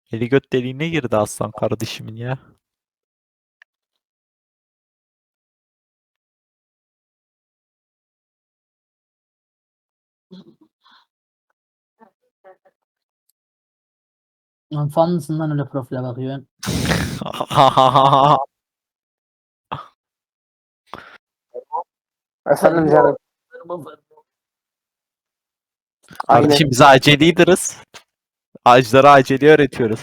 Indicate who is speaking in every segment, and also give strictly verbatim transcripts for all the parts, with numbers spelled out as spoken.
Speaker 1: Eli göt deliğine girdi aslan kardeşimin ya.
Speaker 2: Lan fan mısın lan öyle profile bakıyorsun?
Speaker 3: Efendim canım. Aynen.
Speaker 1: Kardeşim biz acil leader'ız. Ağaçlara aceli öğretiyoruz.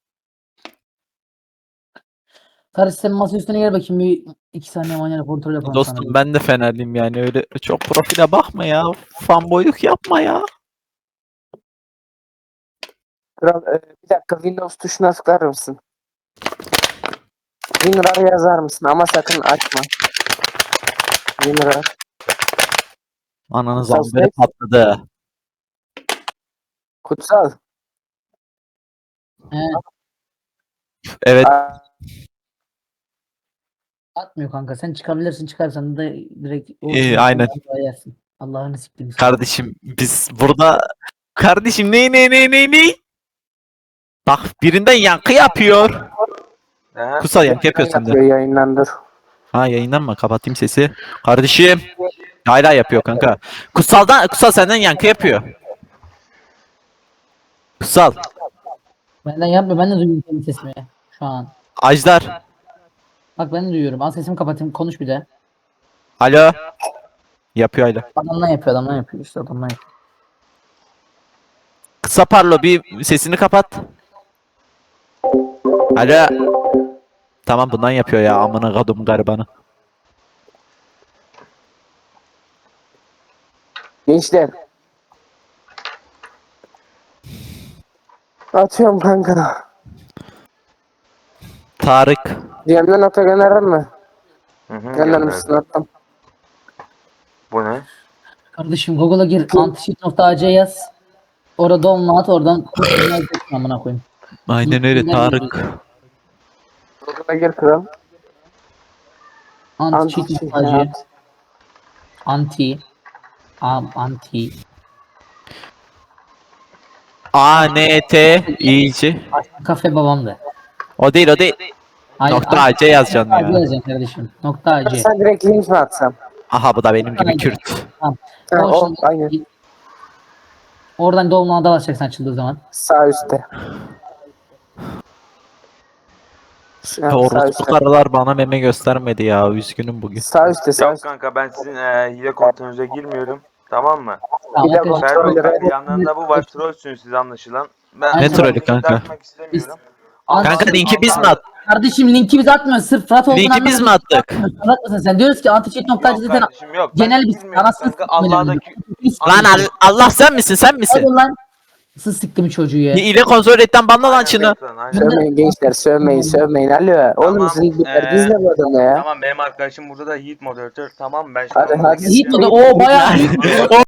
Speaker 2: Kardeş sen masa üstüne gel bakayım bir iki saniye manyana kontrol yapalım
Speaker 1: Dostum
Speaker 2: sana.
Speaker 1: ben de Fenerliyim yani öyle çok profile bakma ya. Fanboyluk yapma ya.
Speaker 3: Kral, e, bir dakika Windows tuşuna tıklar mısın? WinRAR yazar mısın ama sakın açma. WinRAR.
Speaker 1: Ananız
Speaker 3: Kutsal
Speaker 1: amberi
Speaker 3: Snake.
Speaker 1: patladı.
Speaker 3: Kutsal.
Speaker 2: He,
Speaker 1: Evet.
Speaker 3: Aa,
Speaker 2: atmıyor kanka sen çıkabilirsin çıkarsan da direkt
Speaker 1: Ee, aynen.
Speaker 2: Allah'a yersin. Allah'ını siktim.
Speaker 1: Kardeşim biz burada kardeşim ne ne ne ne ne bak birinden yankı yapıyor.
Speaker 4: He?
Speaker 1: Kutsal yankı yapıyor sende.
Speaker 3: yapıyor, yayınlandır.
Speaker 1: Ha yayınlanma kapatayım sesi. Kardeşim hala yapıyor kanka. Kutsaldan Kutsal senden yankı yapıyor. Kutsal
Speaker 2: Benden yapma ben de duyuyorum senin sesimi şu an.
Speaker 1: Ajdar.
Speaker 2: Bak ben de duyuyorum. Al sesimi kapatayım konuş bir de.
Speaker 1: Alo. Yapıyor hala.
Speaker 2: Adamdan yapıyor adamdan yapıyor işte adamdan yapıyor.
Speaker 1: Kısa parlo bir sesini kapat. Alo. Tamam bundan yapıyor ya amına kadım garibanı.
Speaker 3: Gençler. Atıyorum kanka.
Speaker 1: Tarık.
Speaker 3: D M'den nota gönderdin mi?
Speaker 4: Hı hı,
Speaker 3: Göndermişsin,
Speaker 4: gönderdim.
Speaker 3: attım.
Speaker 4: Bu ne?
Speaker 2: Kardeşim Google'a gir antisheet.ac yaz. Orada download oradan yazacaksın amına koyayım.
Speaker 1: Aynen öyle Tarık.
Speaker 3: Google'a gir kral.
Speaker 2: Antisheet.ac anti am anti
Speaker 1: A N T iyice.
Speaker 2: kafe babamdı.
Speaker 1: O değil o değil.
Speaker 2: Hayır,
Speaker 1: Nokta
Speaker 2: anti-
Speaker 1: A C yazacaksın
Speaker 2: nokta A C
Speaker 1: ya.
Speaker 2: yazacaksın kardeşim. Nokta A C.
Speaker 3: Sen direkt link mi atsam?
Speaker 1: Aha bu da benim gibi
Speaker 2: Aynen.
Speaker 1: Kürt.
Speaker 2: Tamam.
Speaker 3: Ha, o,
Speaker 2: şimdi-
Speaker 3: aynen.
Speaker 2: Oradan download'a basacaksın açıldığı zaman.
Speaker 3: Sağ üstte. Şu an sağ
Speaker 1: Orospu
Speaker 3: üstte.
Speaker 1: karılar bana meme göstermedi ya. Üzgünüm bugün.
Speaker 3: Sağ üstte, sağ
Speaker 4: Yok
Speaker 3: üstte.
Speaker 4: kanka ben sizin e, hile kontrolünüze girmiyorum. Tamam mı?
Speaker 2: Tamam,
Speaker 3: Bir de
Speaker 2: arkadaşlar.
Speaker 3: kontrol
Speaker 4: Ferro
Speaker 3: ederek-
Speaker 4: yanlarında bu var. Trollsünüz siz anlaşılan. Ben
Speaker 2: Ne
Speaker 4: bu
Speaker 1: trolü
Speaker 4: linki
Speaker 1: kanka?
Speaker 4: takmak istemiyorum. Ama-
Speaker 1: Kanka linki biz mi
Speaker 4: ama-
Speaker 1: attık?
Speaker 2: Kardeşim linki biz atmıyoruz. Sırf Fırat olduğunu
Speaker 1: Linki biz mi attık?
Speaker 2: Salak mısın sen? Diyoruz ki antisheet.ac
Speaker 4: Yok
Speaker 2: zaten
Speaker 4: kardeşim yok.
Speaker 2: genel
Speaker 4: Ben
Speaker 2: bir
Speaker 4: girmiyorum
Speaker 2: anasını
Speaker 4: kanka.
Speaker 2: siktim
Speaker 4: Allah'daki...
Speaker 1: Lan Al- Allah sen misin sen misin?
Speaker 2: Hadi lan. Sız siktim çocuğu ya.
Speaker 1: Bir ile kontrol etten banla lan şunu.
Speaker 4: Aynen.
Speaker 3: Sövmeyin gençler, sövmeyin, sövmeyin. Alo. Oğlum
Speaker 4: Tamam,
Speaker 3: sizin bir
Speaker 4: ee,
Speaker 3: derdiniz ne bu adamla ya?
Speaker 4: Tamam benim arkadaşım burada da Yiğit moderatör. Tamam ben şimdi
Speaker 3: Hadi,
Speaker 4: onlara
Speaker 3: hadi.
Speaker 2: Yiğit
Speaker 4: geçeceğim.
Speaker 2: o da o bayağı büyük.